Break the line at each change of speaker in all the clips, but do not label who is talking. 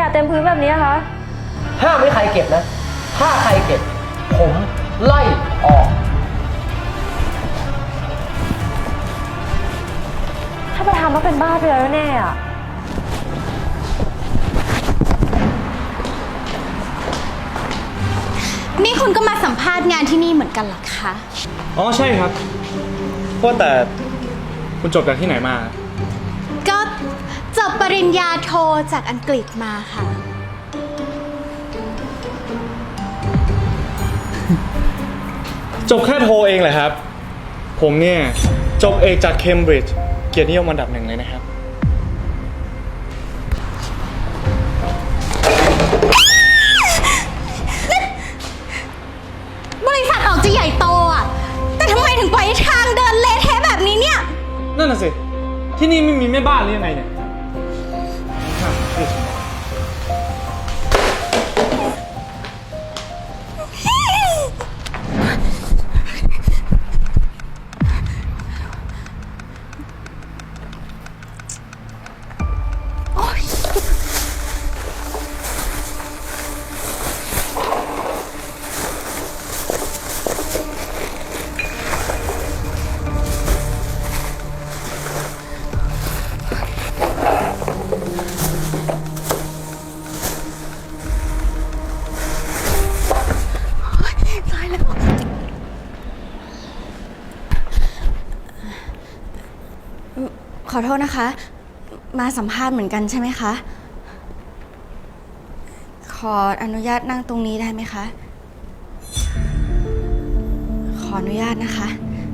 เต็มพื้นแบบนี้คะ
ห้ามไม่ใครเก็บนะถ้าใครเก็บผมไล่ออก
ถ้าประธานต้องเป็นบ้าไปแล้วแน่อะ
นี่คุณก็มาสัมภาษณ์งานที่นี่เหมือนกันเหรอคะ
อ๋อใช่ครับว่าแต่คุณจบจากที่ไหนมา
ก็จบปริญญาโทจากอังกฤษมาค่ะ
จบแค่โทเองเหรอครับผมเนี่ยจบเอกจากเคมบริดจ์เกียรตินิยมอันดับ 1เลยนะครับ
บริษัทออกจะใหญ่โตอ่ะแต่ทำไมถึงปล่อยให้ทางเดินเละเทะแบบนี้เนี่ย
นั่นน่ะสิที่นี่ไม่มีแม่บ้านหรือยังไงเนี่ย
ขอโทษนะคะมาสัมภาษณ์เหมือนกันใช่ไหมคะขออนุญาตนั่งตรงนี้ได้ไหมคะขออนุญาตนะคะ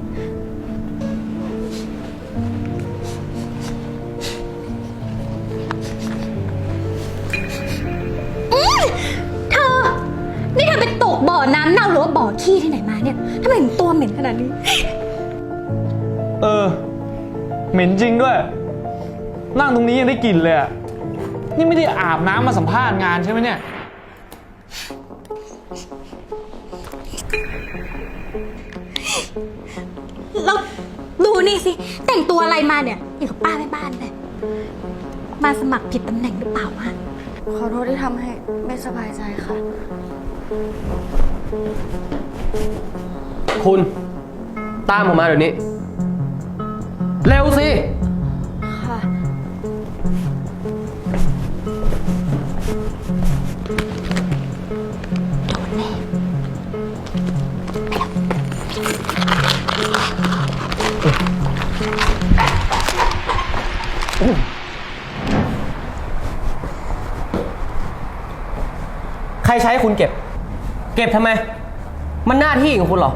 เธอนี่เธอไปตกบ่อน้ำเน่าหรือว่าบ่อขี้ที่ไหนมาเนี่ยทำไมถึงตัวเหม็นขนาดนี้
เหม็นจริงด้วยนั่งตรงนี้ยังได้กลิ่นเลยอ่ะนี่ไม่ได้อาบน้ำมาสัมภาษณ์งานใช่ไหมเนี่ย
แล้วดูนี่สิแต่งตัวอะไรมาเนี่ยอย่างกับป้าแม่บ้านเลยมาสมัครผิดตำแหน่งหรือเปล่าวะขอโทษที่ทำให้ไม่สบายใจค่ะ
คุณตามผมมาเดี๋ยวนี้เร็วสิ
ค่ะ
ใครใช้คุณเก็บทำไมมันหน้าที่ของคุณเหรอ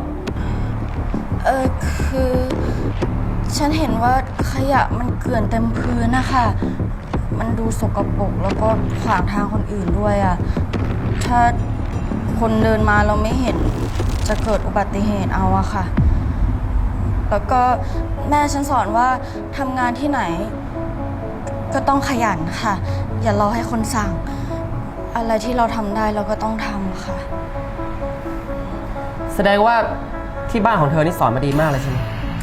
คือฉันเห็นว่าขยะมันเกลื่อนเต็มพื้นนะคะมันดูสกปรกแล้วก็ขวางทางคนอื่นด้วยอ่ะถ้าคนเดินมาเราไม่เห็นจะเกิดอุบัติเหตุเอาอะค่ะแล้วก็แม่ฉันสอนว่าทำงานที่ไหนก็ต้องขยันค่ะอย่ารอให้คนสั่งอะไรที่เราทำได้เราก็ต้องทำค่ะ
แสดงว่าที่บ้านของเธอนี่สอนมาดีมากเลยใช่ไหม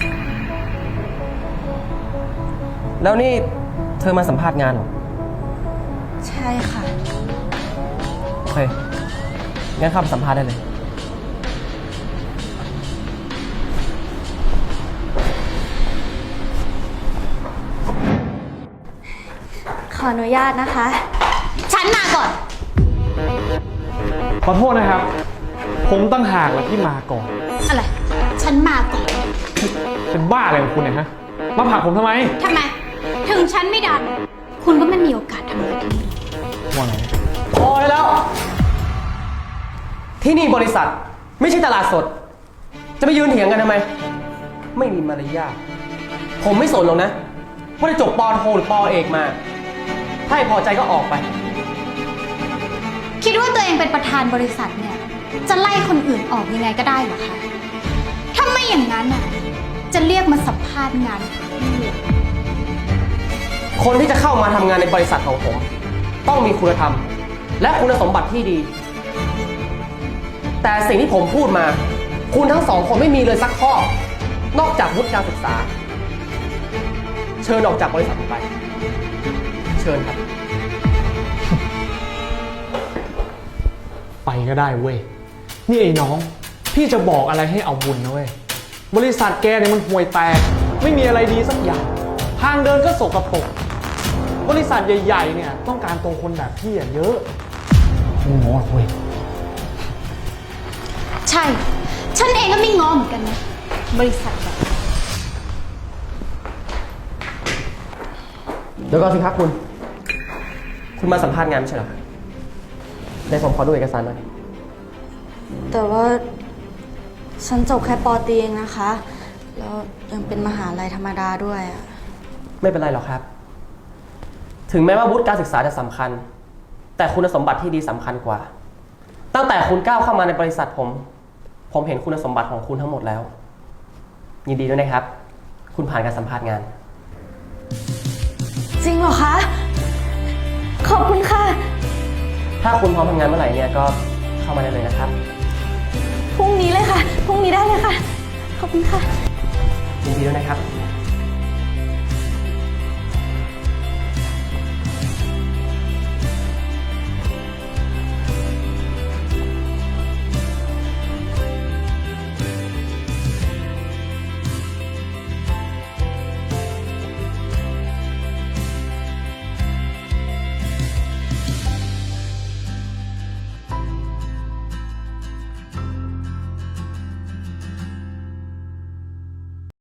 แล้วนี่เธอมาสัมภาษณ์งานเหรอ
ใช่ค่ะ
โอเคงั้นเข้าไปสัมภาษณ์ได้เลย
ขออนุญาตนะคะฉันมาก่อน
ขอโทษนะครับผมตั้งหากแหละที่มาก่อน
อะไรฉันมาก่อน
เป็นบ้าอะไรของคุณเนี่ยฮะมาผลักผมทำไม
ถึงฉันไม่ดันคุณก็ไม่มีโอกาสทำงานที่นี่
ว่าไง
พอได้แล้วที่นี่บริษัทไม่ใช่ตลาดสดจะไปยืนเถียงกันทำไมไม่มีมารยาทผมไม่สนหรอกนะว่าจะจบป.โทหรือป.เอกมาถ้าไม่พอใจก็ออกไป
คิดว่าตัวเองเป็นประธานบริษัทเนี่ยจะไล่คนอื่นออกยังไงก็ได้เหรอคะถ้าไม่อย่างนั้นน่ะจะเรียกมาสัมภาษณ์งาน
คนที่จะเข้ามาทำงานในบริษัทของผมต้องมีคุณธรรมและคุณสมบัติที่ดี แต่สิ่งที่ผมพูดมาคุณทั้งสองคนไม่มีเลยสักข้อนอกจากวุฒิการศึกษาเชิญออกจากบริษัทผมไปเชิญครับ
ไปก็ได้เว้ย นี่ไอ้น้อง พี่จะบอกอะไรให้เอาบุญนะเว้ย บริษัทแกเนี่ยมันห่วยแตก ไม่มีอะไรดีสักอย่าง ทางเดินก็สกปรก บริษัทใหญ่ๆเนี่ยต้องการตัวคนแบบพี่เยอะไม่ง้อหรอกเว้ย
ใช่ ฉันเองก็ไม่ง้อเหมือนกันนะ บริษัทแบบ
เดี๋ยวก่อนสิครับคุณ คุณมาสัมภาษณ์งานไม่ใช่เหรอครับได้ผมขอดูเอกสารหน่อย
แต่ว่าฉันจบแค่ป.ตรีเองนะคะ แล้วยังเป็นมหาลัยธรรมดาด้วยอะ
ไม่เป็นไรหรอกครับ ถึงแม้ว่าวุฒิการศึกษาจะสำคัญ แต่คุณสมบัติที่ดีสำคัญกว่า ตั้งแต่คุณก้าวเข้ามาในบริษัทผมเห็นคุณสมบัติของคุณทั้งหมดแล้ว ยินดีด้วยนะครับ คุณผ่านการสัมภาษณ์งาน
จริงเหรอคะ ขอบคุณค่ะ
ถ้าคุณพร้อมทำงานเมื่อไหร่เนี่ยก็เข้ามาได้เลยนะครับ
พรุ่งนี้เลยค่ะ พรุ่งนี้ได้เลยค่ะ ขอบคุณค่ะ
ยินดีด้วยนะครับ